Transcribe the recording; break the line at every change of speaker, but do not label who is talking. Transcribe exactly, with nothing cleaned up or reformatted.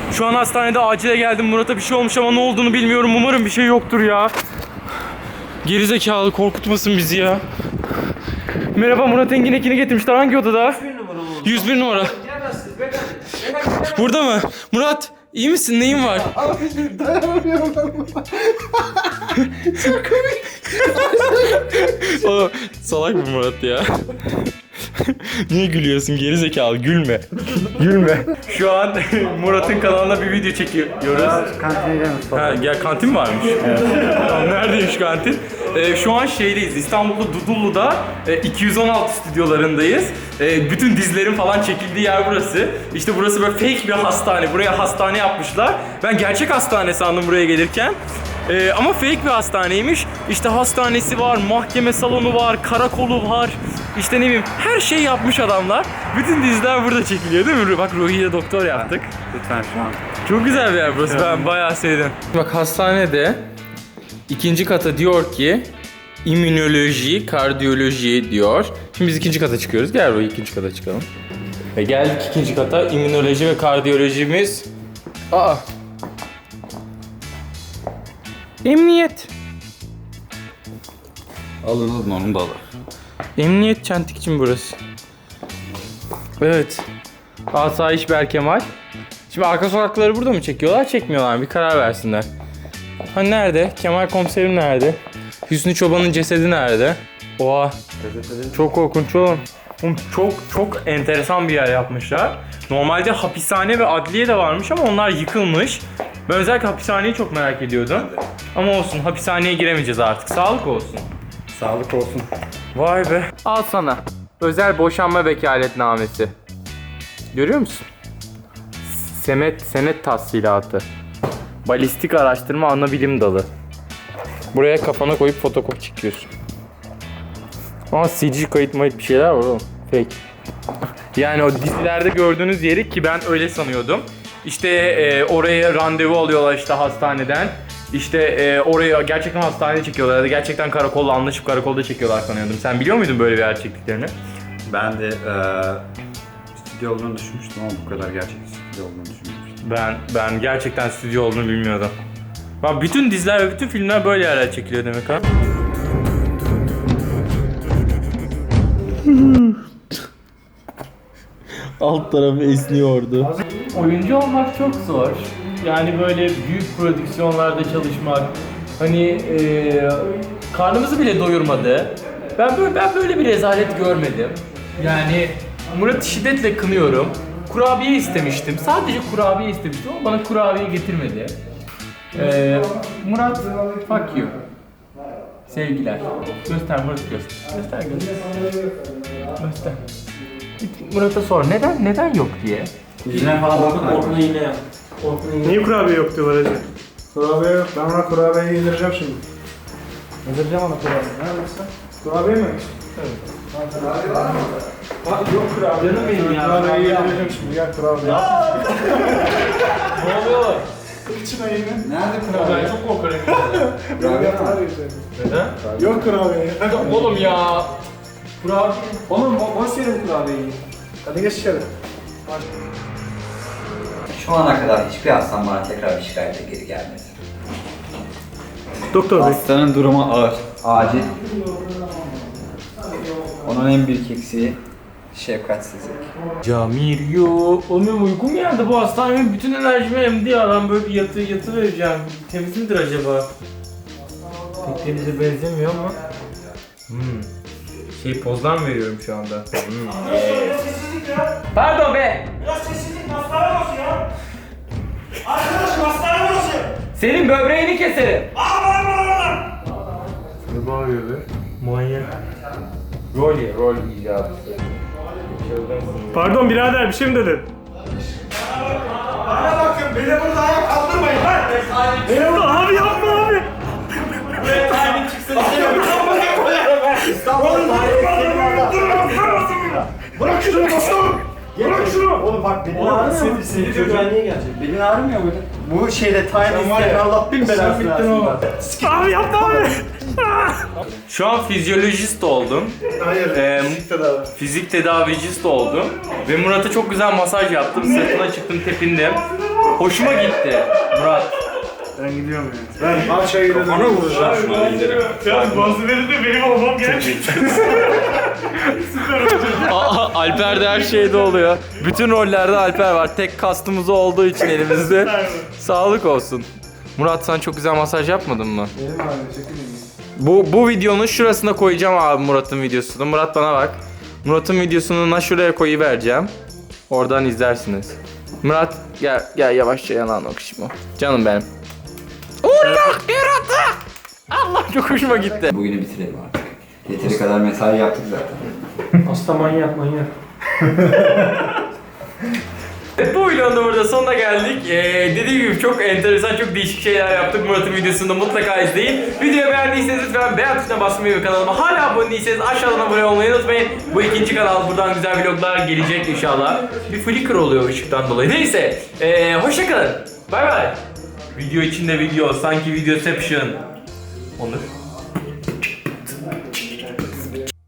Şu an hastanede acile geldim. Murat'a bir şey olmuş ama ne olduğunu bilmiyorum. Umarım bir şey yoktur ya. Gerizekalı, korkutmasın bizi ya. Merhaba, Murat Engin Ekin'i getirmişler. Hangi odada? yüz bir numara. Burada mı? Murat, iyi misin? Neyin var?
Abi dayanamıyorum ben. Çok komik.
O salak mı Murat ya? Niye gülüyorsun gerizekalı? Gülme. Gülme. Şu an Murat'ın kanalına bir video çekiyoruz.
Kantine gidelim.
Ha, gel kantin varmış. Evet. Neredeymiş kantin? Ee, şu an şeydeyiz. İstanbul'da Dudullu'da e, iki yüz on altı stüdyolarındayız. E, bütün dizilerin falan çekildiği yer burası. İşte burası böyle fake bir hastane. Buraya hastane yapmışlar. Ben gerçek hastane sandım buraya gelirken. Ee, ama fake bir hastaneymiş. İşte hastanesi var, mahkeme salonu var, karakolu var. İşte ne bileyim, her şey yapmış adamlar. Bütün diziler burada çekiliyor değil mi? Bak Ruhi'ye doktor yaptık.
Lütfen şu an.
Çok güzel bir yer burası. Ben bayağı sevdim. Bak hastanede ikinci kata diyor ki immünoloji, kardiyoloji diyor. Şimdi biz ikinci kata çıkıyoruz. Gel Ruhi, ikinci kata çıkalım. Ve geldik ikinci kata. İmmünoloji ve kardiyolojimiz. Aa. Emniyet.
Alın alın onu da alın.
Emniyet Çentikçim burası. Evet. Asayiş Berkemal. Şimdi arka sokakları burada mı çekiyorlar, çekmiyorlar mı? Bir karar versinler. Ha nerede? Kemal komiserim nerede? Hüsnü Çoban'ın cesedi nerede? Oha. Çok korkunç oğlum. Oğlum çok çok enteresan bir yer yapmışlar. Normalde hapishane ve adliye de varmış ama onlar yıkılmış. Ben özellikle hapishaneyi çok merak ediyordum. Ama olsun, hapishaneye giremeyeceğiz artık. Sağlık olsun.
Sağlık olsun.
Vay be. Al sana. Özel boşanma vekaletnamesi. Görüyor musun? Senet, senet tahsilatı. Balistik araştırma ana bilim dalı. Buraya kafana koyup fotokopi çekiyorsun. Ama C G kayıt mayıt bir şeyler var oğlum. Fake. Yani o dizilerde gördüğünüz yeri, ki ben öyle sanıyordum. İşte e, oraya randevu alıyorlar işte hastaneden. İşte e, oraya gerçekten hastanede çekiyorlar ya da gerçekten karakolla anlaşıp karakolda çekiyorlar sanıyordum. Sen biliyor muydun böyle bir yer çektiklerini?
Ben de e, stüdyo olduğunu düşünmüştüm ama bu kadar gerçek stüdyo olduğunu düşünmüştüm.
Ben ben gerçekten stüdyo olduğunu bilmiyordum. Bak bütün diziler ve bütün filmler böyle yerler çekiliyor demek ha. Alt tarafı esniyordu. Oyuncu olmak çok zor. Yani böyle büyük prodüksiyonlarda çalışmak, hani e, karnımızı bile doyurmadı. Ben böyle ben böyle bir rezalet görmedim. Yani Murat'ı şiddetle kınıyorum. Kurabiye istemiştim. Sadece kurabiye istemiştim ama bana kurabiye getirmedi. Ee, Murat, fuck you. Sevgiler. Göster Murat, göster. Göster göster. Göster. Murat'a sor neden neden yok diye.
Yüzüne falan bakma.
Orkun iğne yap.
Niye kurabiye yok diyorlar hacı?
Kurabiye yok. Ben ona kurabiyeyi yedireceğim şimdi.
Yedireceğim ona kurabiye. Neredesin? Kurabiye mi? Evet.
Kurabiye var mı?
Bak yok kurabiye. Canım benim ya.
Kurabiyeyi yedireceğim şimdi. Gel kurabiye.
Ne oluyor?
İçine yine.
Nerede
Ben
kurabiye?
çok korkarım.
Kurabiye var.
Neden?
Yok kurabiye.
Oğlum ya. Kurabiye.
Oğlum bo boş yerim kurabiyeyi. Hadi geç içeri.
Şu ana kadar hiçbir hastam bana tekrar bir şikayetle geri gelmedi.
Doktor bey.
Hastanın durumu ağır.
Acil. Onun en büyük eksiği şefkatsizlik.
Camir yo. Oğlum uykum geldi, bu hastanenin bütün enerjimi emdi ya. Ben böyle bir yatı yatı vereceğim. Temiz midir acaba? Pek temize benzemiyor ama. Hmm. Şey pozdan veriyorum şu anda. Hmm.
Sessizlik ya.
Pardon be.
Biraz sessizlik, hastane burası ya. Arkadaşım hastane burası.
Senin böbreğini keserim.
Aa bana bana bana.
Ne bağırıyor be? Manyak. Rol ye, rol icabı.
Pardon birader bir şey mi dedin?
Bana bakın, beni burada ayağa kaldırmayın lan.
Ne oldu abi, yapma abi.
Bırak şunu dostum. Bırak şunu.
Oğlum bak benim
Oğlum,
ağrımıyor mu?
seni-
Seni
seni
diyor
çocuk-
güvenliğe gelecek.
Belin ağrımıyor muydu? Bu şeyde time
Sen var
isteyen
ya,
Allah bin
sen
belasını
bittin
versin.
oğlum.
Abi yapma abi. Şu an fizyolojist oldum.
Hayır.
Ee,
Fizik tedavi.
Fizik tedavicist oldum. Ve Murat'a çok güzel masaj yaptım. Sırtına çıktım, tepindim. Hoşuma gitti Murat.
Ben gidiyorum ya. Ben parçaya gidelim.
Kafana vuracağım şu an.
Ya bazı verildi benim olmam gerek.
Aa, Alper de her şeyde oluyor. Bütün rollerde Alper var. Tek kastımız olduğu için elimizde. Sağlık olsun. Murat sen çok güzel masaj yapmadın mı?
Benim abi çekilin.
Bu bu videonun şurasına koyacağım abi Murat'ın videosunu. Murat bana bak. Murat'ın videosunu na şuraya koyuvereceğim. Oradan izlersiniz. Murat gel gel yavaşça yanağına okşayım o. Canım benim. Allah yaratı! Allah çok hoşuma gitti.
Bugünü bitirelim artık. Yeteri kadar mesai yaptık zaten.
Hasta manyak manyak.
Evet, bu videonun da burada sonuna geldik. Ee, dediğim gibi çok enteresan, çok değişik şeyler yaptık. Murat'ın videosunda mutlaka izleyin. Videoyu beğendiyseniz lütfen beğen tuşuna basmayı ve kanalıma hala abone değilseniz aşağıdan abone olmayı unutmayın. Bu ikinci kanal, buradan güzel vloglar gelecek inşallah. Bir flicker oluyor ışıktan dolayı. Neyse, ee, hoşçakalın. Bay bay. Video içinde video, sanki videoception. Onur.